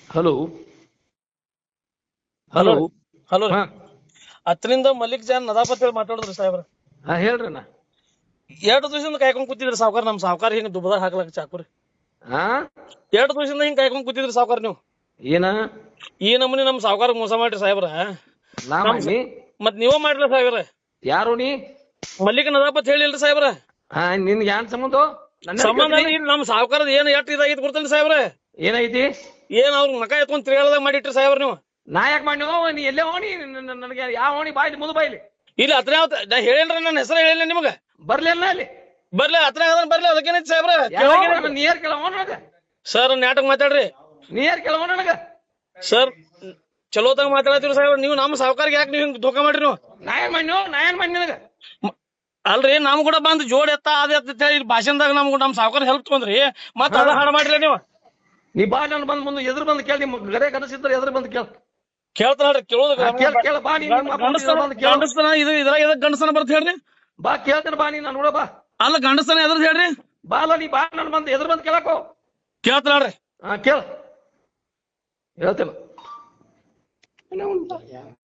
Hello hello hello ರೀ. Hello ರೀ. ಹಾ ಹತ್ತರಿಂದ ಮಲ್ಲಿಕ್ ಜಾನ್ ನದಾಪತ್ ಹೇಳಿ ಮಾತಾಡಿದ್ರಿ ಸಾಹೇಬ್ರ. ಹಾ ಹೇಳ್ರಣ್ಣ. 2 ದಿವಸದಿಂದ ಕಾಯ್ಕೊಂಡ್ ಕೂತಿದ್ರಿ ಸಾವ್ಕಾರ. ನಮ್ ಸಾವ್ಕಾರ ಹಿಂಗ ದುಬದಾರ್ ಹಾಕ್ಲಕ್ ಚಾಕುರಿ. ಹಾ 2 ದಿವಸದಿಂದ ಹಿಂಗ್ ಕಾಯ್ಕೊಂಡ್ ಕೂತಿದ್ರಿ ಸಾವ್ಕಾರ ನೀವು. ಏನ ಈ ನಮೂನಿ ನಮ್ ಸಾವ್ಕಾರ ಮೋಸ ಮಾಡ್ರಿ ಸಾಹೇಬ್ರ. ನಾ ನಮ್ ಮಾಡಿ ಮತ್ ನೀವ ಮಾಡ್ರಿ ಸಾಹೇಬ್ರ. ಯಾರು ನೀ? ಮಲ್ಲಿಕ್ ನದಾಪತ್ ಹೇಳಿಲ್ರಿ ಸಾಹೇಬ್ರ. ಹಾ ನಿನ್ಗೆ ಯಾನ್ ಸಂಬಂಧ? ನನ್ನ ಸಂಬಂಧ ಕೇಳ್ತೀನಿ. ಇಲ್ಲಿ ನಮ್ ಸಾವ್ಕಾರದ ಏನ್ ಎಷ್ಟ್ ಇದಾಗಿತ್ತು ಗೊತ್ತೇನ್ರಿ ಸಾಹೇಬ್ರ? ಏನೈತಿ? ಏನ್ ಅವ್ರ ಮಕ ಎತ್ಕೊಂಡ್ ತಿರ್ಗಾಳದಾಗ ಮಾಡಿಟ್ರಿ ಸಾಹೇಬ್ರ ನೀವು. ನಾ ಯಾಕೆ ಮಾಡಿ ನೀ ಎಲ್ಲೇ ಹೋಣಿ? ನನಗೆ ಯಾವ ಹೋಣಿ ಬಾಯ್ಲಿ ಮುದು ಬಾಯ್ಲಿ ಇಲ್ಲಿ ಹತ್ರ ನಾ ಹೇಳೇನ್ರಿ, ನನ್ನ ಹೆಸರು ಹೇಳಿಲ್ಲ ನಿಮಗ. ಬರ್ಲಿಲ್ಲ ಅಲ್ಲಿ ಬರ್ಲಿ ಹತ್ರ ಬರ್ಲಿ, ಅದಕ್ಕೇನೈತಿ ಸಾಹೇಬ್ರ? ಯಾವ ನೀರ್ ಕೆಲವ ನನಗ ಸರ್ ನಾಟಕ ಮಾತಾಡ್ರಿ. ನೀರ್ ಕೆಲವ ನನಗ ಸರ್ ಚಲೋತಾಗ ಮಾತಾಡತ್ತೀರಿ ಸಾಹೇಬ್ರ. ನೀವು ನಮ್ಮ ಸಾವ್ಕಾರ್ಗೆ ಯಾಕೆ ನೀವು ಹಿಂಗ್ ಧೋಕಾ ಮಾಡ್ರಿ ನೀವು? ನಾ ಏನ್ ಮಾಡಿ ನನಗ? ಅಲ್ರಿ ನಮ್ ಕೂಡ ಬಂದ್ ಜೋಡ್ ಎತ್ತ ಅದ ಎತ್ತ ಹೇಳಿ ಭಾಷಣದಾಗ ನಮ್ ಸಾವ್ಕಾರ ಹೆಲ್ಪ್ ತಗೊಂಡ್ರಿ, ಮತ್ತ ಅದ ಹಾಡ ಮಾಡ್ರಿ ನೀವು. ನೀ ಬಾ ನಾನು ಬಂದ್ ಮುಂದೆ ಎದುರು ಬಂದು ಕೇಳಿ. ನಿಮ್ ಗರೆ ಕನಸಿದ್ರೆ ಎದುರು ಬಂದು ಕೇಳ. ಕೇಳ್ತಾರ ಹೇಳ್ರಿ. ಕೇಳೋದು ಕೇಳ ಬಾ ನೀ ಬಂದು ಕೇಳ. ಗಂಡಸ್ತನ ಇದು ಇದ್ರಾಗ ಎದಕ್ ಗಂಡಸ್ತನ ಬರ್ತ ಹೇಳ್ರಿ? ಬಾ ಕೇಳ್ತೇನೆ ಬಾ ನೀ ನಾನು ನೋಡ ಬಾ. ಅಲ್ಲ ಗಂಡಸ್ತನ ಎದ್ರದ್ ಹೇಳ್ರಿ? ಬಾ ಅಲ್ಲ ನೀ ಬಾ ನಾನು ಬಂದು ಎದುರು ಬಂದು ಕೇಳಕೋ. ಕೇಳ್ತಾರ ಹೇಳ್ರಿ. ಹಾ ಕೇಳ ಹೇಳ್ತೇನೆ.